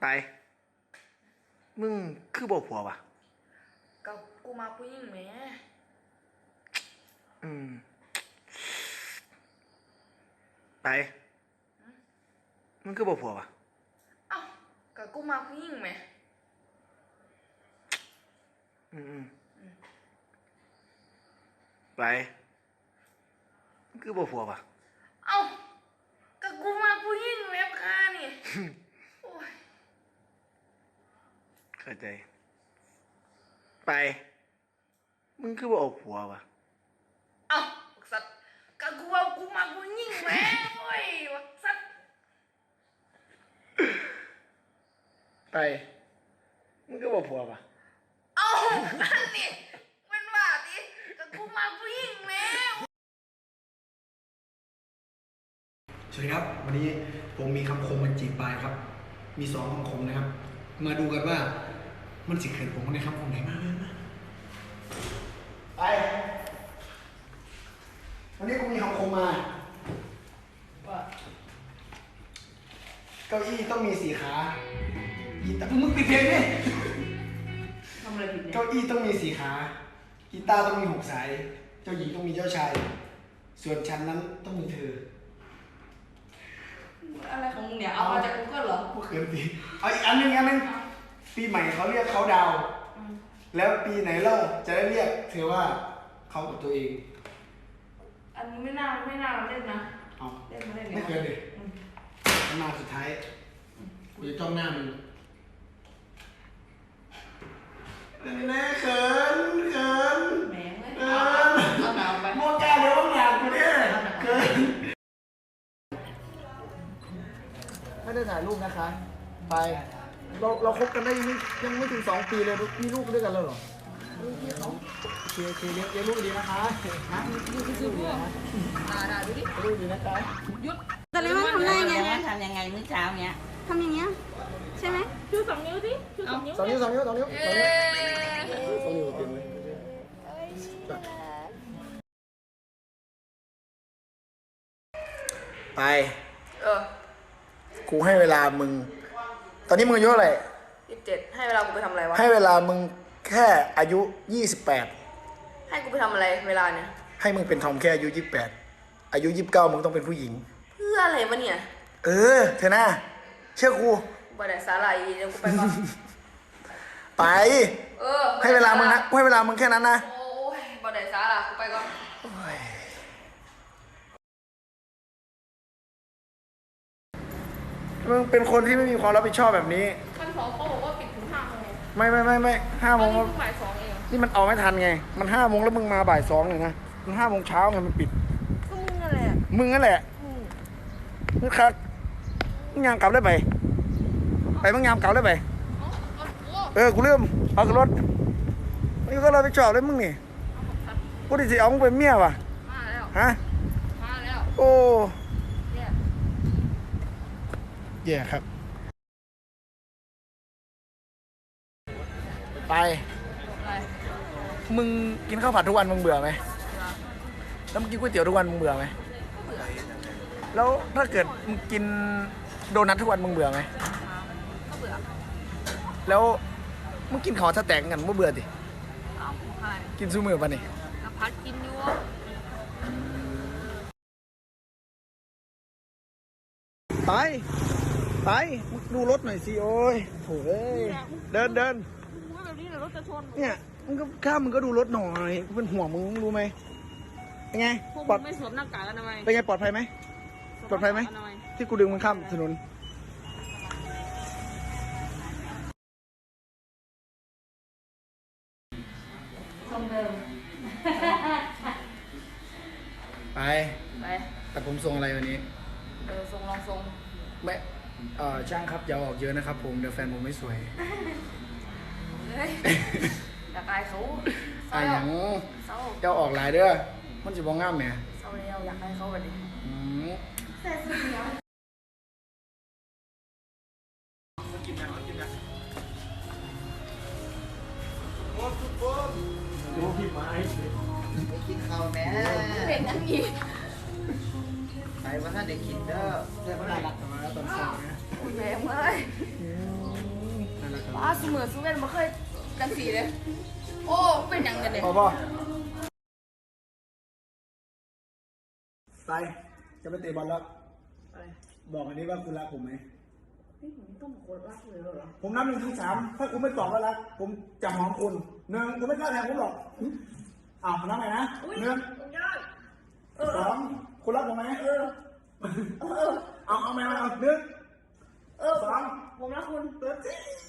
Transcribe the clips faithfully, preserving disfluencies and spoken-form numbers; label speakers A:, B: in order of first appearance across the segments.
A: ไปมึงคือบอกผัวปะ
B: กับกูมาผู้หญิงไหม
A: อืมไปมึงคือบอกผัวปะ
B: เอ้ากับกูมาผู้หญิงไหม
A: อืมอืมไปมึงคือบอกผัวปะ
B: เอ้ากับกูมาผู้หญิงไหมพานี่โอ้ย
A: เข้าใจไปมึงคือบอกผัวปะ
B: เอ้าสัตว์กับกูว่ากูมาผู้หญิงไหมโอ้ยวักสัตว์
A: ไปมึงคือบอกผัวปะ
B: เอ้าอันนี้มันว่าดิกับกูมาผู้หญิงไหม
C: สวัสดีครับวันนี้ผมมีคำคมมาจีบปลายครับ มีสองคำคมนะครับ มาดูกันว่ามันสิเขินผมในคำคมไหนมากเลยนะไปวันนี้กูมีคำคมมาว่าเก้าอี้ต้องมีสี่ขากีตาร์มึงปิดเพลงดิ
B: ทำอะไรผิดเนี่ย
C: เก้าอี้ต้องมีสี่ขากีตาร์ต้องมีหกสายเจ้าหญิงต้องมีเจ้าชายส่วนฉันนั้นต้องมีเธอ
B: อะไรของมึงเนี่ยเอามาจากกูเกิลเหรอ
C: กูเขินสิเอาอีกอันหนึงอันหนึงปีใหม่เขาเรียกเขาดาวแล้วปีไหนเล่าจะได้เรียกเธอว่าเขากับตัวเอง
B: อันนี้ไม่น่าไม่น่าเล่นนะ
C: เอา
B: เล่นมาเล่น
C: ไม่เคยเลยหน้าสุดท้ายกูจะจ้องหน้ามึงนี่แน่เขินเขิน
B: แหมเว้ย
C: เขิน
B: เอาหนาวไป
C: โมกาเดี๋ยวมึงอยากกูเนี่ยเขินไม่ได้ถ่ายรูปนะคะไปเราเราคบกันได้ยังไม่ยังไม่ถึงสองปีเลยมีลูกด้วยกันแล้วเหรอพี่เขาเคเคเลี้ยงเลี้ยงลูกดีนะคะนะลูกดีนะคะ
B: ด่าด่าดูดิ
C: ลูกดีนะคะ
B: หยุด
D: แต่เลยมันทำได้ไง
E: ทำยังไงมื้อเช้าเนี้ย
D: ทำอย่างเงี้ยใช่ไหม
B: ชูสองนิ้วสิชูสองนิ้ว
C: สองนิ้วสองนิ้วสองนิ้วสองนิ้วสองนิ้วเต็มเลยไป
B: เออ
C: กูให้เวลามึงตอนนี้มึงอายุเท่าไหร่
B: ยี่สิบเจ็ดให้เวลากูไปทำอะไรวะ
C: ให้เวลามึงแค่อายุยี่สิบแปด
B: ให้กูไปทำอะไรเวลาเนี่ย
C: ให้มึงเป็นทอมแค่อายุยี่สิบแปดอายุยี่สิบเก้ามึงต้องเป็นผู้หญิง
B: เพื่ออะไรวะเนี่ย
C: เออเธอหน้าเชื่อกู
B: บ่ได้สาหร่ายเดี๋ยวกูไปก่อน
C: ไป
B: เออ
C: ให้เวลามึงนะให้เวลามึงแค่นั้นนะ
B: โอ้ยบ่ได้สาหร่ายกูไปก่อน
C: มึงเป็นคนที่ไม่มีความรับผิดชอบแบบนี้
B: ขั้นสองเขาบอกว่าปิดถึงห้าโมง
C: ไม่ไม่ไม่ไม่ห้าโมง
B: นี่บ่ายสองเอง
C: นี่มันเอาไม่ทันไงมันห้าโมงแล้วมึงมาบ่ายสองเลยนะมันห้าโมงเช้าไงมันปิด
D: ก็มึงนั่นแหละ
C: มึงนั่นแหละมึงครับมึงยามกลับได้ไหมไปมึงยามกลับได้ไหมเออกูเริ่มเอาขึ้นรถไม่ก็เราไปจอดเลยมึงนี่กูดิสิเอามึงเป็นเมียว่ะ
B: มาแล้ว
C: ฮะ
B: มาแล้ว
C: โอ้แย่ครับไปมึงกินข้าวผัดทุกวันมึงเบื่อไหมแล้วมึงกินก๋วยเตี๋ยวทุกวันมึงเบื่อไหมแล้วถ้าเกิดมึงกินโดนัททุกวันมึงเบื่อไหม
B: ก็เบื่อ
C: แล้วมึงกินข้าวถ้าแตกกันมึงเบื่อดิ
B: เอาใช่
C: กินซูมือป่ะนี่
B: พัดกินอยู่
C: ไปไปดูรถหน่อยสิโอ้ยโถ่เดินเดิน
B: แบบนี้เดี๋ยวรถจะชน
C: เนี่ยมึงก็ข้ามมึงก็ดูรถหน่อยกูเป็นห่วงมึงรู้ไหมเป็นไง
B: ปลอดไม่สวมหน้ากากอนามัย
C: เป็นไงปลอดภัยไหมปลอดภัยไหมที่กูดึงมึงข้ามถนน
B: ทรงเดิม
C: ไป
B: ไป
C: แต่ผมทรงอะไรวันนี้
B: เออทรงลองทรง
C: ไม่เอ่อช่างครับอย่าออกเยอะนะครับผมเดี๋ยวแฟนผมไม่สวย
B: เฮ้ยอยากอายเขา
C: อายอย่างเจ้าออกหลายเด้อมันจะบ้องง่ามไหม
B: เศร้าแล้วอยากให้เขาแบบนี้แต่สุดแล้ว
C: กินนะกินนะโอ้ทุกคน ดูพี่ไม้
E: ไปกินข้าวแม่
B: เป็นอันนี้
E: ไปว่าถ้าเด็กกินเด้อเพื่อนเขาได้รักกันมาแล้วตอนสองนะ
B: แม่เมื่อยเสมอสู้กันมาเคยกันสีเลยโอ้เป็นยังกันเนี่ย
C: พอป่ะไปจะไปเตะบอลแล้วบอกอันนี้ว่าคุณรักผมไหม
B: นี่ผมต้องโคตรรักเลยเหรอ
C: ผมนับหนึ่งถึงสามถ้าคุณไม่ตอบว่ารักผมจะหอมคุณหนึ่งคุณไม่กล้าแทงผมหรอกอ้าวนับใหม่นะหนึ่งสองคุณรักผมไหมเออเอาเอาไหมเอาหนึ่งเออสอง
B: ผมรักคุณ
C: เติร์ด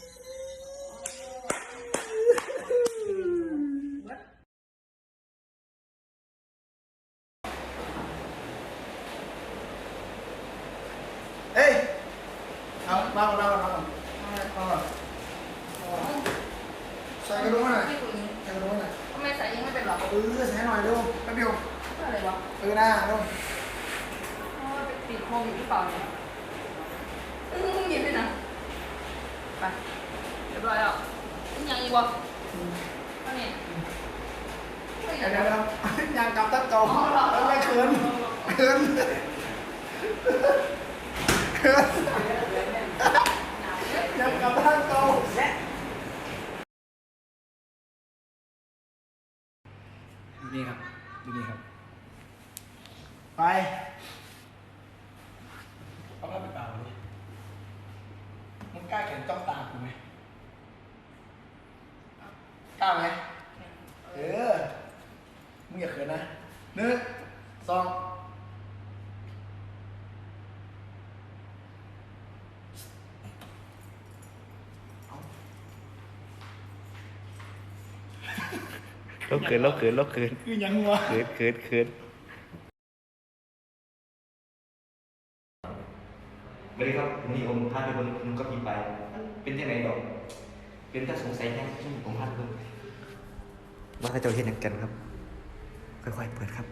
C: เอ้ยเอามาก่อนมาก่อนมาก่อนมาก่อนใส่กระดุมหน่อยใส่กระดุมหน่อย
B: ทำไมใส่ยังไม่เป็นหรอ
C: เออใส่หน่อยเร็วแป๊บเดียว
B: อะไรวะ
C: เออหน้าเร็ว
B: ติดโควิดหรือเปล่าเนี่ยอืมหยิบไปนะไปเรียบร้อยแล้วยังอีกวะอันนี้
C: เดี๋ยวเดี๋ยวอยางกลับตั้งเก่าแล้วไม่เขินเขินเขินอยางกลับตั้งเก่าดูนี่ครับดูนี่ครับไปเอาผ้าไปเปล่าเลยมึงกล้าเขียนจ้องตากูไหมกล้าไหมเออมึงอย่าเขินนะหนึ่งสอง
A: เราเขินเราเขินเราเขิน
C: คือยังวะ
A: เขินเขินเขินไม่ได้ครับมีองค์พระไปบนมันก็มีไป เป็นที่ไหนดอก เป็นถ้าสงสัยแค่ที่ผมพลาดเพิ่มว่าเขาจะเห็นอย่างกันครับ ค่อยๆเปิดครับ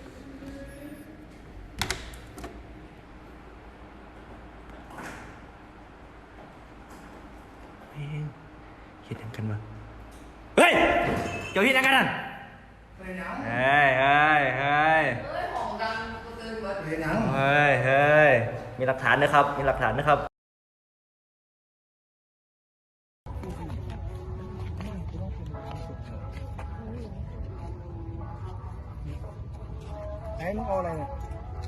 A: เฮ้ยเห็นอย่างกันมาเฮ้ยเจ้าเห็นอย่างกันนั่น
C: เฮ้ยยัง
A: เฮ้ยเฮ้ยเฮ้ย
B: เฮ้ยของดังกูเตือนเบิร์ด
C: เฮ้ยยัง
A: เฮ้ยเฮ้ยมีหลักฐานนะครับ มีหลักฐานนะครับ
C: ไอ้มึงเอาอะไรเนี่ย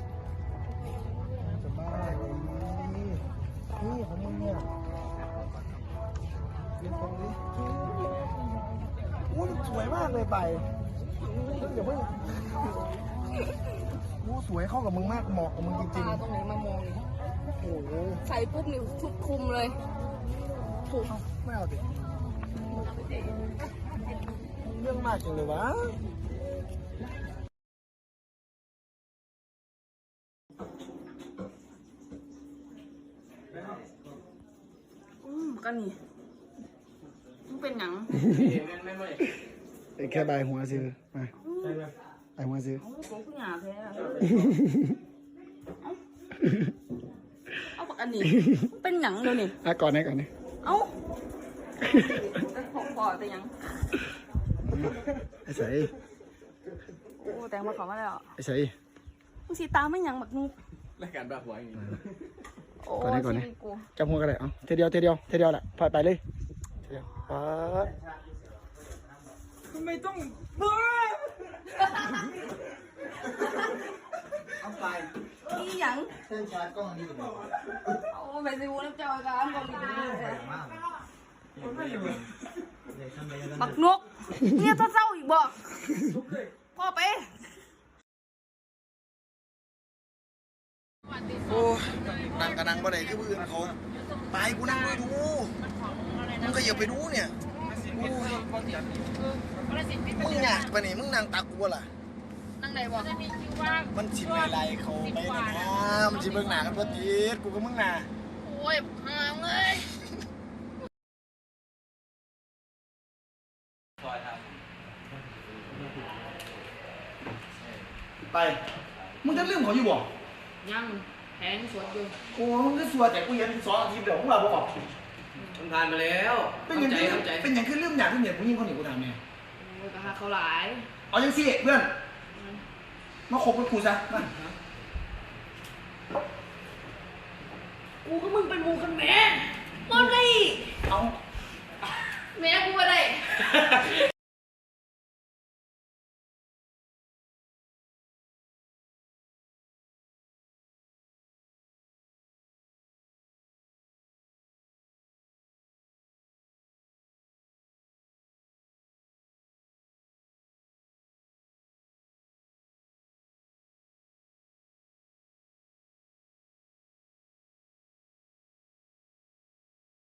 C: จะบ้าเลยนี่นี่ของมึงเนี่ยเรียนตรงนี้อู้สวยมากเลยไปเดี๋ยวเพิ่งอู้สวยเข้ากับมึงมากเหมาะกับมึงจริง
B: ตาตรงไหนมามองนี่
C: ๆโอ้โห
B: ใส่ปุ๊บนี่ทุกคุมเลยถูก
C: ไม่เอาดิเรื่องมากจังเลยวะ
B: อืมก็นี่มันเป็นหยัง
C: แค่ใบหัวซื้อมาใบหัวซื้อ
B: ผมเพิ่งหาแพ้อะเอาปากอันนี้มันเป็นหยังเดี๋ยวนี้
C: อ่ะก่อนไหนก่อนนี่
B: เอ้าแต่ของปอดแต่หยัง
C: ไอ้ใส่
B: โอ้แต่งมาขอมาแล้ว
C: ไอ้ใส่
B: มึงสีตาไม่หยังบักนุก
E: รายการแบบหัวอย่างนี้
B: โอ้
C: ก่อนนี้ก่อนนี้
B: ชีวิตกู
C: จับหัวกันเลยเอาเทเดียวเทเดียวเทเดียวแหละพายไปเลยเทเดียวป๊าด
B: ทำไมต้อง
E: เอาไป
B: อีหยัง
E: เส้นชาร์จกล้องนี่
B: โอ้ไปสิวูน้ำเจ้าอาการบอกอีกเลย
E: มาก
B: บักนุกเนี่ยถ้าเศร้าอีกบอกพ่อไป
C: โอ้นั่งกระนังบ่ได้คือผู้อื่นเขาไปกูนั่งด้วยดูมึงก็อย่าไปดูเนี่ยโอ้ยมึงอยากไปนี่มึงนั่งตักกูบ่ล่ะ
B: นั่งไหนบอก
C: มันสิไปไล่เขาไปนะมันสิเบิ่งหน้ากันบ่ติดกูกับมึงน่ะ
B: โอ้ยห่างเลย
C: ไปมึงจะลืมเขาอยู่บ่
B: ยังแทงสวนอยู่
C: โอ้มึงก็สัวแต่กูเห็นสองอาทิตย์เดี๋ยวมึงว่าบ่ออก
E: มันผ่านไปแล้ว
C: เป็นหยังคือเป็นหยังคือลืมอยากที่เหนียผู้หญิงคนนี้กูถามแม่
B: โอ้ยกะหาเขาหลาย
C: เอาจังซี่เพื่อนมาคบกับกูซะมา
B: กูก็มึงเป็นหมูกันแม่